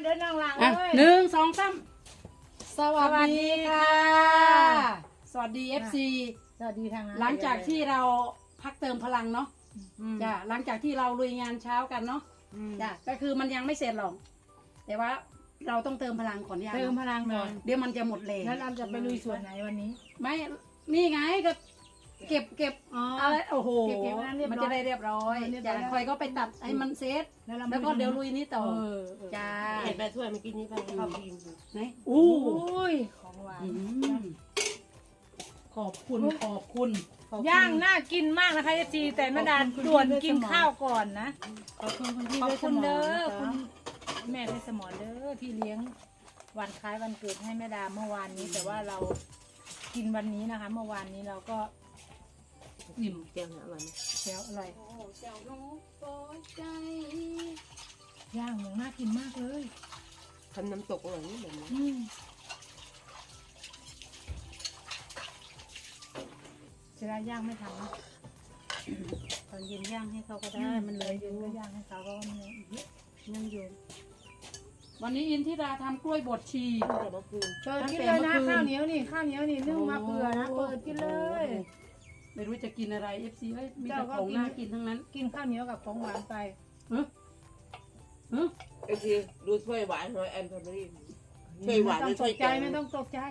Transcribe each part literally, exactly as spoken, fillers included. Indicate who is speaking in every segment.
Speaker 1: เด้อน้องหลัง
Speaker 2: อ่ะ
Speaker 1: เลย
Speaker 2: หนึ่งสองสามสวัสดีค่ะ สวัสดี เอฟ ซี
Speaker 1: สวัสดีทางนั้น
Speaker 2: หลังจากที่เราพักเติมพลังเนาะจ้ะหลังจากที่เราลุยงานเช้ากันเนาะจ้ะก็คือมันยังไม่เสร็จหรอกแต่ว่าเราต้องเติมพลังก่อนเนี่ย
Speaker 1: เติมพลังหน่อย
Speaker 2: เดี๋ยวมันจะหมดแรง
Speaker 1: แล้วเราจะไปลุยส่วนไหนวันนี้
Speaker 2: ไม่นี่ไงก็เก็บเก็บ
Speaker 1: อ๋อ
Speaker 2: อะไรโอ้โห
Speaker 1: เก็บเก็บให้เรียบร้อย
Speaker 2: มันจะได้เรียบร้อย
Speaker 1: เรียบร้
Speaker 2: จ้ะ
Speaker 1: อยแล้ว
Speaker 2: คอยก็ไปตัดให้มันเซต
Speaker 1: แล้วเรา
Speaker 2: แล้วก็เดี๋ยวลุยนี้ต่อ
Speaker 1: เออเออ
Speaker 2: จ้า
Speaker 3: เห็นแม่ถ้วยเมื่อกี้นี้ไปเขากินอยู่
Speaker 2: ไหน
Speaker 1: โอ้
Speaker 2: อู้
Speaker 1: ยของหวาน
Speaker 2: อืมขอบคุณขอบคุณขอบคุณ
Speaker 1: ย่างน่ากินมากนะคะเอฟซีแต่แม่ดา
Speaker 2: ขอบคุณ
Speaker 1: ด่วน
Speaker 2: คุณ
Speaker 1: กิน
Speaker 2: เพชรสมร
Speaker 1: ข้าวก่อนนะ
Speaker 2: ขอบคุณคุณพี่
Speaker 1: ขอบ
Speaker 2: ด้วย
Speaker 1: คุณเด้อ
Speaker 2: สม
Speaker 1: คุ
Speaker 2: ร
Speaker 1: ณ
Speaker 2: นะ
Speaker 1: แม่เพชรสมรเด้อที่เลี้ยงวันคล้ายวันเกิดให้แม่ดาเมื่อวานนี้ แต่ว่าเรากินวันนี้นะคะ เมื่อวานนี้เราก็
Speaker 3: อิ่มเจียวนะวันนี้
Speaker 1: เสียวอร่อย
Speaker 2: โอ้เจ้าน้องปอยใจ
Speaker 1: ย่างอย่างน่ากินมากเลย
Speaker 3: ทำน้ำตกอร่อยนี่แบบนี้
Speaker 1: อืมเสียดายย่างไม่ทันนะ
Speaker 2: ตอนเย็นย่างให้เขาก็ได้
Speaker 1: ได้
Speaker 2: มันเหลยอ
Speaker 1: เย็
Speaker 2: ยู่
Speaker 1: นก็ย่างให้เขาก็มันเลยเยอะ
Speaker 2: ยังอยู่วันนี้อินทิราทำกล้วยบดชี
Speaker 3: แต่เมื่อคืน
Speaker 1: เปิดกินเลยนะข้าวเหนียวนี่ข้าวเหนียวนี่นึ่งมาเปื่อนะเปิดกินเลย
Speaker 2: ไม่รู้จะกินอะไร เอฟ ซี เอ้ยมีแต่
Speaker 1: เจ้าก็
Speaker 2: ของ
Speaker 1: กิน
Speaker 2: น่ากินทั้งนั้น
Speaker 1: กินข้าวเหนียวกับของหวานไป
Speaker 2: เฮ้ยเฮ้ย
Speaker 3: ไอ้ทีดูถ้วยหวานหอยแอนแฟมิลี่ถ้วยหวาน
Speaker 1: ไม่
Speaker 3: ห
Speaker 1: ต้
Speaker 3: รือ อง
Speaker 1: ต
Speaker 3: ถ้วย
Speaker 1: กใจ
Speaker 3: แกง
Speaker 1: ไม่ต้องตกใจ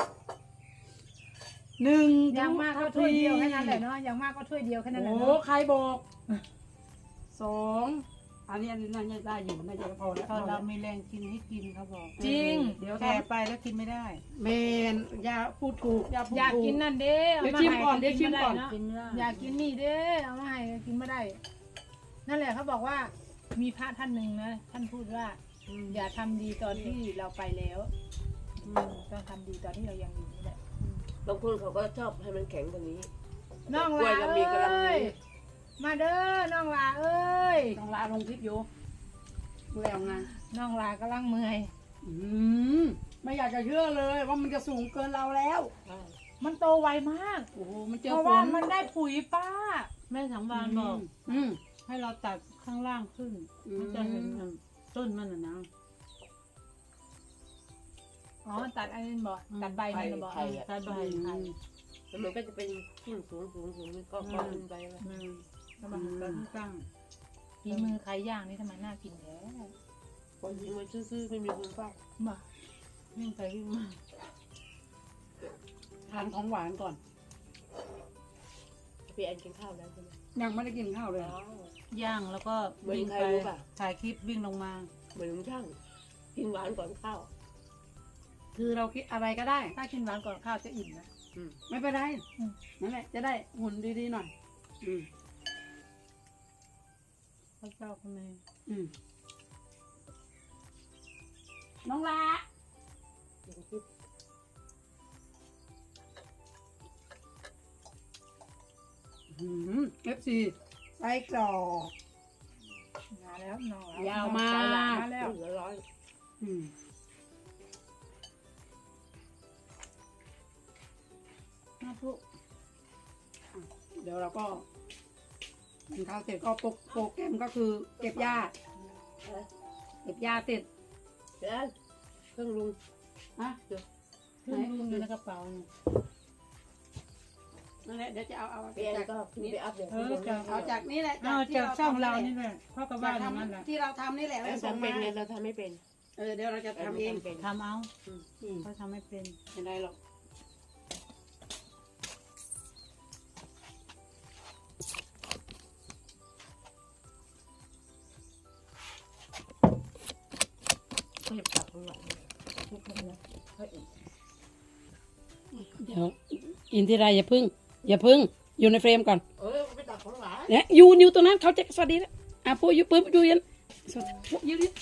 Speaker 2: หนึ่ง
Speaker 1: อย่างมากก็ถ้วยเดียวแค่นั้นแหละเนาะอย่างมากก็ถ้วยเดียวแค่นั้นแหละ
Speaker 2: โอ้
Speaker 1: เนาะ
Speaker 2: ใครบอกสองอันนี้อันนี้น่าจะได้อยู่น่าจะพอแล้ว
Speaker 4: ตอนเรามีแรงกินให้กินเขาบอก
Speaker 1: จริง
Speaker 2: เดี๋ยว
Speaker 4: แก่
Speaker 2: ทำ
Speaker 4: ไปแล้วกินไม่ได้
Speaker 2: เมนอย่าพูดถูกอย่าพูด
Speaker 1: อยาก
Speaker 2: ถูก
Speaker 1: กินนั่นเด้อา
Speaker 2: เดี๋ยว
Speaker 1: มา
Speaker 2: ชิม
Speaker 1: ให้
Speaker 2: ก่อนเดี๋ยวชิมก่อน
Speaker 1: ไได้เาะ
Speaker 4: กินไม่ได้
Speaker 1: อยากกินนี่เด้เอามาให้กินไม่ได้ นั่นแหละเขาบอกว่ามีพระท่านหนึ่งนะท่านพูดว่า อย่าทำดีตอนที่เราไปแล้วอืมต้องทำดีตอนที่เรายังอยู่นี่แหละ
Speaker 3: บางคนเขาก็ชอบให้มันแข็งกว่านี้
Speaker 1: น้อง
Speaker 3: กล้วย
Speaker 1: ลา
Speaker 3: เรา
Speaker 1: เอ
Speaker 3: มีกำลัง้
Speaker 1: ย มาเด้อ น้องลาเอ้ย
Speaker 2: ต้องลาลงคลิปอยู่แล้วไง
Speaker 1: น้องลากำลังเมื่อย
Speaker 2: อืมไม่อยากจะเชื่อเลยว่ามันจะสูงเกินเราแล้ว
Speaker 3: ใช่
Speaker 1: มันโตไวมาก
Speaker 2: โอ้โหมันเจอ
Speaker 1: เพราะ
Speaker 2: ฝ
Speaker 1: ว่าน มันได้ปุ๋ยป้า
Speaker 4: แม่สังวานบอก
Speaker 2: อืม
Speaker 4: ให้เราตัดข้างล่างขึ้น
Speaker 2: อืม
Speaker 4: มันจะเห็นต้นมันนะนะ
Speaker 1: อ๋อ ตัดอันนี้บอกตัดใบมันน่ะบอก
Speaker 4: ตัดใบ
Speaker 1: ไข่
Speaker 3: แล้วมันก็จะเป็นขึ้นสูงสูงสูงก็ก็ขึ้นไปเลย
Speaker 4: อืม
Speaker 1: แล้ว
Speaker 4: ตั
Speaker 1: มัน
Speaker 4: ดที่ตั้ง
Speaker 1: ฝีมือใครย่างนี่ทำไมน่ากินแท้
Speaker 3: คนที่มาซื้อๆไม่มีคนเฝ้า
Speaker 1: บ่
Speaker 4: วิ่งไปวิ่งมา
Speaker 2: ทานของหวานก่อน
Speaker 3: พี่แอนกินข้าวแล้วใช่ไหม
Speaker 2: ยังไม่ได้กินข้าวเลย
Speaker 3: อ๋อ
Speaker 4: ย่างแล้วก็วิ่ง
Speaker 3: เหมือนใคร
Speaker 4: ไป
Speaker 3: รู้ป่ะ
Speaker 4: ถ่ายคลิปวิ่งลงมา
Speaker 3: เหมือนลุงช่างกินหวานก่อนข้าว
Speaker 2: คือเราคิดอะไรก็ได้
Speaker 1: ถ้ากินหวานก่อนข้าวจะอิ่มนะ
Speaker 3: อืม
Speaker 2: ไม่เป็นไร
Speaker 1: อืม
Speaker 2: นั่นแหละ จะได้หุ่นดีๆหน่อย อืม
Speaker 4: พระเจ้าคุณแม่
Speaker 2: อืมน้องลาอืมเอฟซีไส้กรอก
Speaker 1: มาแล้วน้องล
Speaker 2: ยาวมาก
Speaker 1: สยหลนมาแล้ว
Speaker 3: เหลือร้อย
Speaker 2: อืมมาพุเดี๋ยวเราก็กินข้าวเสร็จก็โปรโปรแกรมก็คือเก็บหญ้าเก็บหญ้าเสร็จ
Speaker 3: เดี๋ยวเครื่องลุง
Speaker 2: นะ
Speaker 4: เครื่องลุงอยู่ในกระเป๋าเนี่ย
Speaker 2: นั่นแหละเดี๋ยวจะเอาเอา
Speaker 3: พี่แอน
Speaker 2: จาก
Speaker 3: ก็ขึ้นไปอัพเดี๋ยว
Speaker 4: เออจาก
Speaker 2: เอาจากนี้แหละ
Speaker 4: เอา
Speaker 2: ที่
Speaker 4: จากช่องเรา
Speaker 2: ทำ
Speaker 4: นี่แหละพ่อก็
Speaker 2: จา
Speaker 4: ว่าก อย่างนั้นแหละ
Speaker 2: ทำที่เราทำนี่แหละ
Speaker 3: เรา
Speaker 2: แล้วส่ง
Speaker 3: ทำเป็
Speaker 2: มาน
Speaker 3: ไงเราทำไม่เป็น
Speaker 2: เออเดี๋ยวเราจะทำเอง
Speaker 3: เป็น
Speaker 4: ทำเอา
Speaker 2: อืม
Speaker 4: เขาทำไม่เป็น
Speaker 2: ไม่ได้หรอก
Speaker 3: ก็จะตักข้างหลังทุกคนนะค่อยอีก
Speaker 2: เดี๋ยวอินทิราอย่าพึ่ง อย่าพึ่ง อยู่ในเฟรมก่อน
Speaker 3: เออไปตักข้างหลัง
Speaker 2: เนี่ยอยู่อยู่ตรงนั้นเขาจะสวัสดีแล้วอ่ะปุ๊บอยู่ปุ๊บอยู่ยันสวัสดีปุ๊บยืนยืน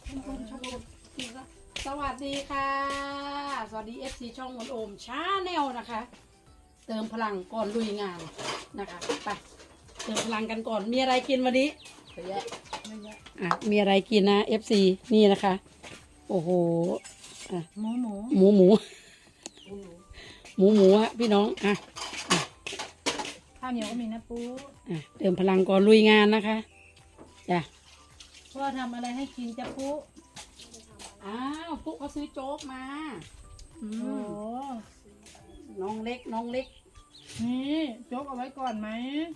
Speaker 2: สวัสดีค่ะ สวัสดีเอฟซีช่องมนโอมชาแนลนะคะ เติมพลังก่อนลุยงานนะคะไปเติมพลังกันก่อนมีอะไรกินวันนี้
Speaker 3: เยอะแยะ
Speaker 2: อ่ะมีอะไรกินนะเอฟซีนี่นะคะ โอ้โหอ่ะ
Speaker 4: หมูหมู
Speaker 2: หมูหมู
Speaker 3: คุณหนู
Speaker 2: หมูหมูฮะพี่น้องอ่ะ
Speaker 1: ข้าวเหนียวก็มีนะปู
Speaker 2: อ่ะเติมพลังก่อนลุยงานนะคะจ้ะ
Speaker 4: พ่อทำอะไรให้กินจะปุ๊
Speaker 2: ก็ซื้อโจ๊กมาอื
Speaker 1: โอ้
Speaker 2: มน้องเล็กน้องเล็ก
Speaker 1: นี่โจ๊กเอาไว้ก่อนไหม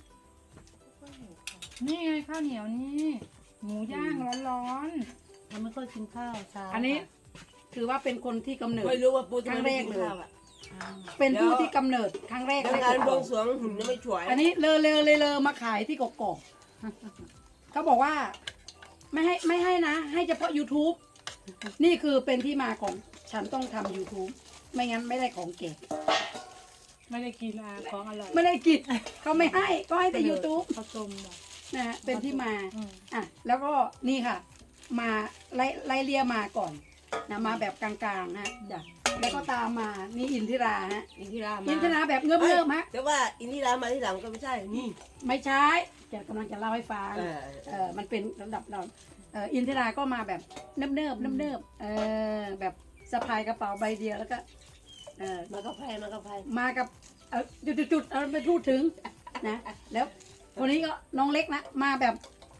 Speaker 1: นี่ไงข้าวเหนียวนี่หมูย่างร้อน
Speaker 4: เราไม่ค่อยกินข้าวเช้า
Speaker 2: อันนี้ถือว่าเป็นคนที่กำเนิด
Speaker 3: ไม่รู้ว่าปูจะ
Speaker 2: ครั้ง
Speaker 3: ไม่
Speaker 2: แร
Speaker 3: ได้
Speaker 2: ก
Speaker 3: กิน
Speaker 2: เลย
Speaker 3: ข้าวอ่ะ
Speaker 4: อ้าว
Speaker 2: เป็นผู้ที่กำเนิดครั้งแรก
Speaker 3: ทำงานบวงสรวงหุ่นยังไม่ฉวย
Speaker 2: อันนี้เลอเลอเลอเลอมาขายที่กกอกเขาบอกว่า ไม่ให้ไม่ให้นะ ให้เฉพาะ YouTube นี่คือเป็นที่มาของฉันต้องทำ YouTube ไม่งั้นไม่ได้ของเก่ง
Speaker 1: ๆไม่ได้กินอาของอร่อย
Speaker 2: ไม่ได้กินเขาไม่ให้ก็ให้แต่ YouTube
Speaker 1: ข้าวต้มบอก
Speaker 2: นะฮะเป็นที่มา
Speaker 1: อืม
Speaker 2: อ่ะแล้วก็นี่ค่ะ มาไล่ไล่เลียมาก่อนนะมาแบบกลางๆนะจ้ะแล้วก็ตามมานี่อินทิราฮะ
Speaker 3: อินทิรามา
Speaker 2: อินทิราแบบเงือบเงือบๆฮะ
Speaker 3: แต่ว่าอินทิรามาที่หลังก็ไม่ใช่นี่
Speaker 2: ไม่ใช่จะกำลังจะเล่าให้ฟัง
Speaker 3: เออ
Speaker 2: เออมันเป็นระดับเราเอออินทิราก็มาแบบเนิบเนิบเนิบเนิบๆเออแบบสะพายกระเป๋าใบเดียวแล้วก็เออ
Speaker 3: มากับไพ่มากับไพ่
Speaker 2: มากับเออจุดจุดจุดเอาไปพูดถึงนะแล้วคนนี้ก็น้องเล็กนะมาแบบ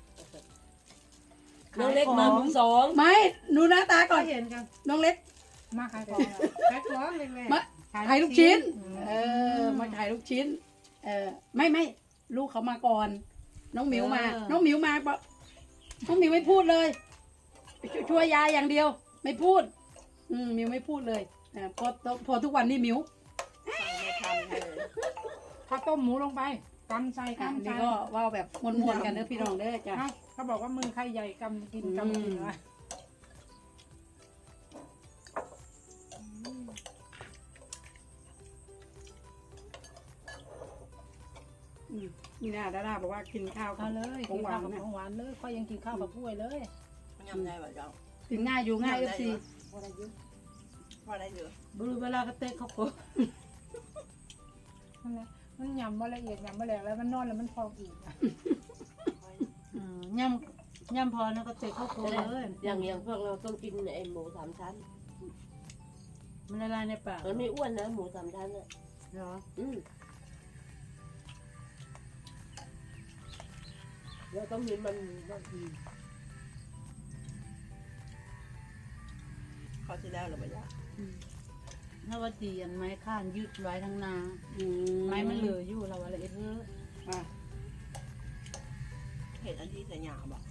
Speaker 3: น้องเล็กมามือสอง
Speaker 2: ไม่ดูหน้าตาก่อน
Speaker 1: เห็นกัน
Speaker 2: น้องเล็ก
Speaker 1: มาขายของเหรอขายของเลยแม่
Speaker 2: มาขายลูกชิ้น
Speaker 1: อืม
Speaker 2: เออ มาขายลูกชิ้น เออ ไม่ไม่ลูกเขามาก่อน น้องหมิวมา น้องหมิวมาปะน้องหมิวไม่พูดเลยช่วยช่วยยายอย่างเดียว ไม่พูด อืมหมิวไม่พูดเลยอ่าพอพอทุกวันนี้หมิว
Speaker 3: ไม่ทันเลย
Speaker 1: ข้าวต้มหมูลงไปกำใส่
Speaker 2: อ่ะ
Speaker 1: กำใส่
Speaker 2: นี่ก็เว่าแบบมวนๆกันเด้อพี่น้องเด้อจ้ะ
Speaker 1: เอ้าเขาบอกว่ามือใครใหญ่กำกิน
Speaker 2: อืม
Speaker 1: กำกินวะ
Speaker 2: อืมนี่นะดาดาบอกว่ากินข้าวกั
Speaker 1: เอา
Speaker 2: บ
Speaker 1: เลย
Speaker 2: ข
Speaker 1: กิ
Speaker 2: อง
Speaker 1: น
Speaker 2: หวา
Speaker 1: ข้าวน กับ
Speaker 2: นะ
Speaker 1: ของหวานเลยค่อยยังกินข้าวกับกล้วยเลย
Speaker 3: มันยำได้ป่ะจ๊ะ
Speaker 2: กินง่ายอยู่ง่ายเอฟซี
Speaker 3: พอได้เยอะพอได้เยอะ
Speaker 4: บรูเวลากระเตะเขาก็
Speaker 1: นั่นแหละมันยำว่าละเอียดยำว่าแหลกแล้วมันนอนแล้วมันพองอีกอะ
Speaker 4: อืมย่ำย่ำพอนะกระเตะเขาก็เลย
Speaker 3: อย่างอย่างพวกเราต้องกินไอ้หมูสามชั้น
Speaker 4: มันละลายในปาก
Speaker 3: มันไม่อ้วนนะหมูสามชั้นอ่ะ
Speaker 4: เหรอ
Speaker 3: อืมเราต้องมีมันบางทีเขาที่แล้วหรือไม่ยาก
Speaker 4: ถ้าว่าตีอันไม้ข้านยืดไว้ทั้งนา
Speaker 2: อื
Speaker 4: ไม้มันเหลืออยู่เราอะไรเออ
Speaker 2: อ่ะ
Speaker 3: เห็นอันที่แต่หยาบอ่ะ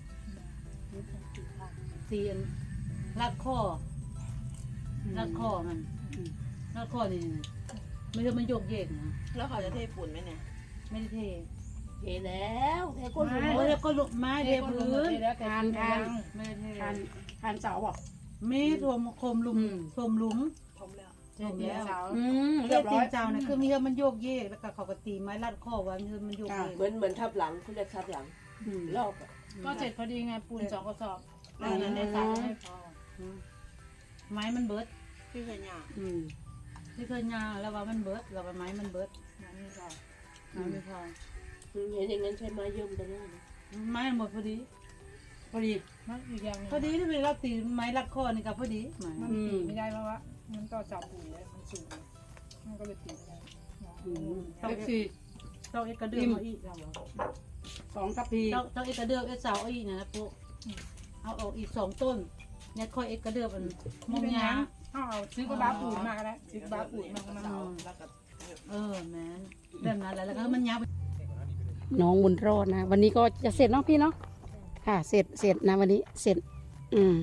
Speaker 4: ตีอันรัดข้อรัดข้อมันรัดข้อนี่นะไม่ใช่มันโยกเยกนะ
Speaker 3: แล้วเขาจะเทฝุ่นไหมเนี่ย
Speaker 4: ไม่ได้เท
Speaker 3: เทแล้วเทก้นฝุ่น
Speaker 4: โอ้ยแล้วก็ลุกไม้เทพื้น
Speaker 1: แล้วแต่
Speaker 2: ทานทาน
Speaker 4: ไม่ได้เท
Speaker 2: ทานทานเสาบอก
Speaker 4: มีทวมโคมหลุม
Speaker 2: อืม
Speaker 4: ทวมหลุม
Speaker 3: ผมแล้ว
Speaker 4: เสร็จแล้ว
Speaker 1: เสา
Speaker 2: อืม
Speaker 4: เรี
Speaker 2: เรี
Speaker 4: ย
Speaker 2: ย
Speaker 4: บบ
Speaker 2: ร้
Speaker 4: ตี
Speaker 2: อย
Speaker 4: นเจ้านะคือมีเฮือมันโยกเยกแล้วก็เขาก็ตีไม้รัดข้อไว้มีเฮือมันโยกเยก
Speaker 3: เหมือนเหมือนทับหลังคุณเรียกทับหลัง
Speaker 2: อืม
Speaker 3: รอบอะ
Speaker 1: ก็เสร็จพอดีไงปูนสองกระสอบ
Speaker 2: อื
Speaker 1: อั
Speaker 2: ม
Speaker 1: นนั้นในสระไม่พอ
Speaker 4: ไม้มันเบิด
Speaker 3: พี่เคยหยาบ
Speaker 2: อืม
Speaker 4: ที่เคยยางแล้วว่ามันเบิดแล้วว่าไม้มันเบิด
Speaker 1: นั่นนี่พอ
Speaker 4: ไม้ไม่พอ
Speaker 3: เห็นอย่างนั้นใช้ไม้เยิ่มกันได้นะ
Speaker 4: ไม้มันหมดพอดี
Speaker 2: พอดี
Speaker 1: มันอีกอย่างหนึง
Speaker 4: พอดีที่เป็นเราตีไม้รัดข้อนี่ก็พอดีไม้
Speaker 1: มันตีไม่ได้เพราะว่ามันต่อจับปุ๋ยเลยมันสูงมันก็เลยตีไม่ได้
Speaker 2: อืมเอฟซี
Speaker 4: ต้องเอ็กกระเดือกเอาอีกเราบอก
Speaker 2: สองทัพพี
Speaker 4: ต้องต้องเอ็กกระเดือกเอ็กสาวเอาอีกนะพวกเอาออกอีกสองต้นเนี่ยค่อยเอ็กกระเดือกมันม
Speaker 1: ไม่
Speaker 4: อง
Speaker 1: เป็น
Speaker 4: ยา
Speaker 1: ยังเอาเอาซื้อกระบะปุ๋ยมาก็ได้ซื้อกระบะปุ๋ยมาก็มา
Speaker 3: เสา
Speaker 1: เอา
Speaker 3: แล้วก็
Speaker 4: เออแม่นแบบนั้นแหละแล้วก็มันยาว
Speaker 2: น้องบุญรอดนะ วันนี้ก็จะเสร็จเนาะพี่เนาะค่ะ เสร็จเสร็จนะวันนี้เสร็จ อืม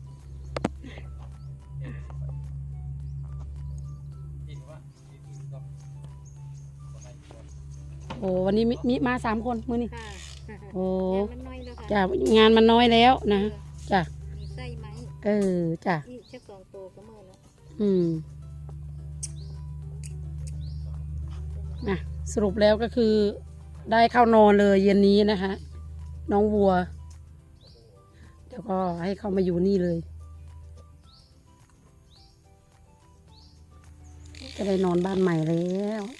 Speaker 2: โอ้วันนี้มิมิมาสามคนมือนี่
Speaker 5: ค่ะ
Speaker 2: โอ้
Speaker 5: งานมันน้อยแล้วค่ะ
Speaker 2: จ้ะงานมันน้อยแล้วนะจ้ะ
Speaker 5: มีไส้ไหม
Speaker 2: เออจ้ะ
Speaker 5: อีกแค่สองตัวก็เมื่อแล้ว
Speaker 2: อืมนะสรุปแล้วก็คือได้เข้านอนเลยเย็นนี้นะคะ น้องวัว เดี๋ยวก็ให้เขามาอยู่นี่เลย จะได้นอนบ้านใหม่แล้ว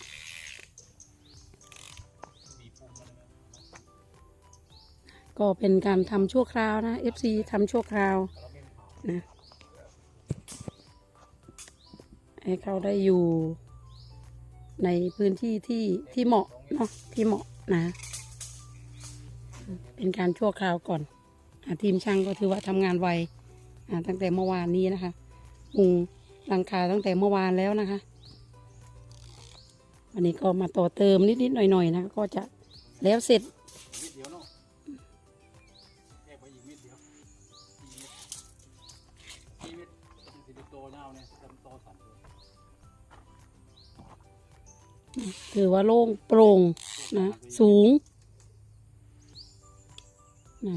Speaker 2: ก็เป็นการทำชั่วคราวนะ เอฟ ซี ทำชั่วคราวนะ ให้เขาได้อยู่ในพื้นที่ที่ที่เหมาะเนาะที่เหมาะนะ เป็นการชั่วคราวก่อนอาทีมช่างก็ถือว่าทำงานไวอ่าตั้งแต่เมื่อวานนี้นะคะมุงหลังคาตั้งแต่เมื่อวานแล้วนะคะวันนี้ก็มาต่อเติมนิดๆหน่อยๆนะคะก็จะแล้วเสร็จ
Speaker 6: มิดเดียวเนาะแยกไปอีกมิดเดียวอีมิดอีมิดสิบโตเงาเนี่ยจำโตสามตัว
Speaker 2: ถือว่าโล่งโปร่งนะสูงนะ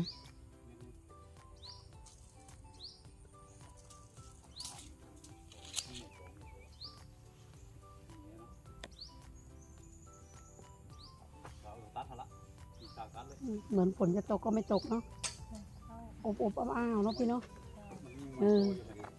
Speaker 2: เหมือนฝนจะตกก็ไม่ตกเนาะอบอบอ้าวๆเนาะพี่เนาะเออ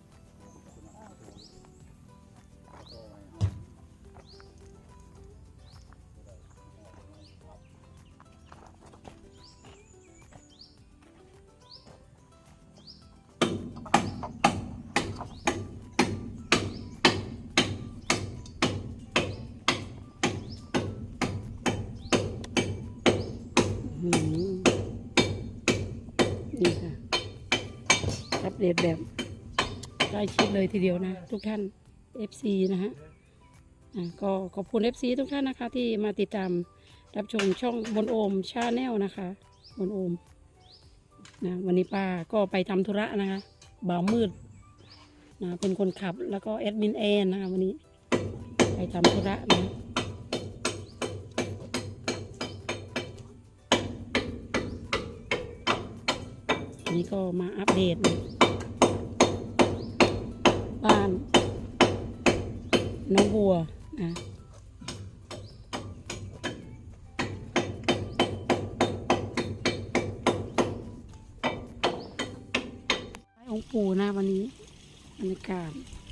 Speaker 2: อืมนี่ค่ะอัปเดตแบบใกล้ชิดเลยทีเดียวนะทุกท่าน เอฟ ซี นะฮะอ่ะก็ขอบคุณ เอฟ ซี ทุกท่านนะคะที่มาติดตามรับชมช่องบนโอมชาแนลนะคะบนโอมนะวันนี้ป้าก็ไปทำธุระนะคะบ่าวมืดนะเป็นคนขับแล้วก็แอดมินแอนนะคะวันนี้ไปทำธุระนะนี่ก็มาอัปเดตนะบ้านน้องบัวนะองค์ปู่นะวันนี้บรรยากาศ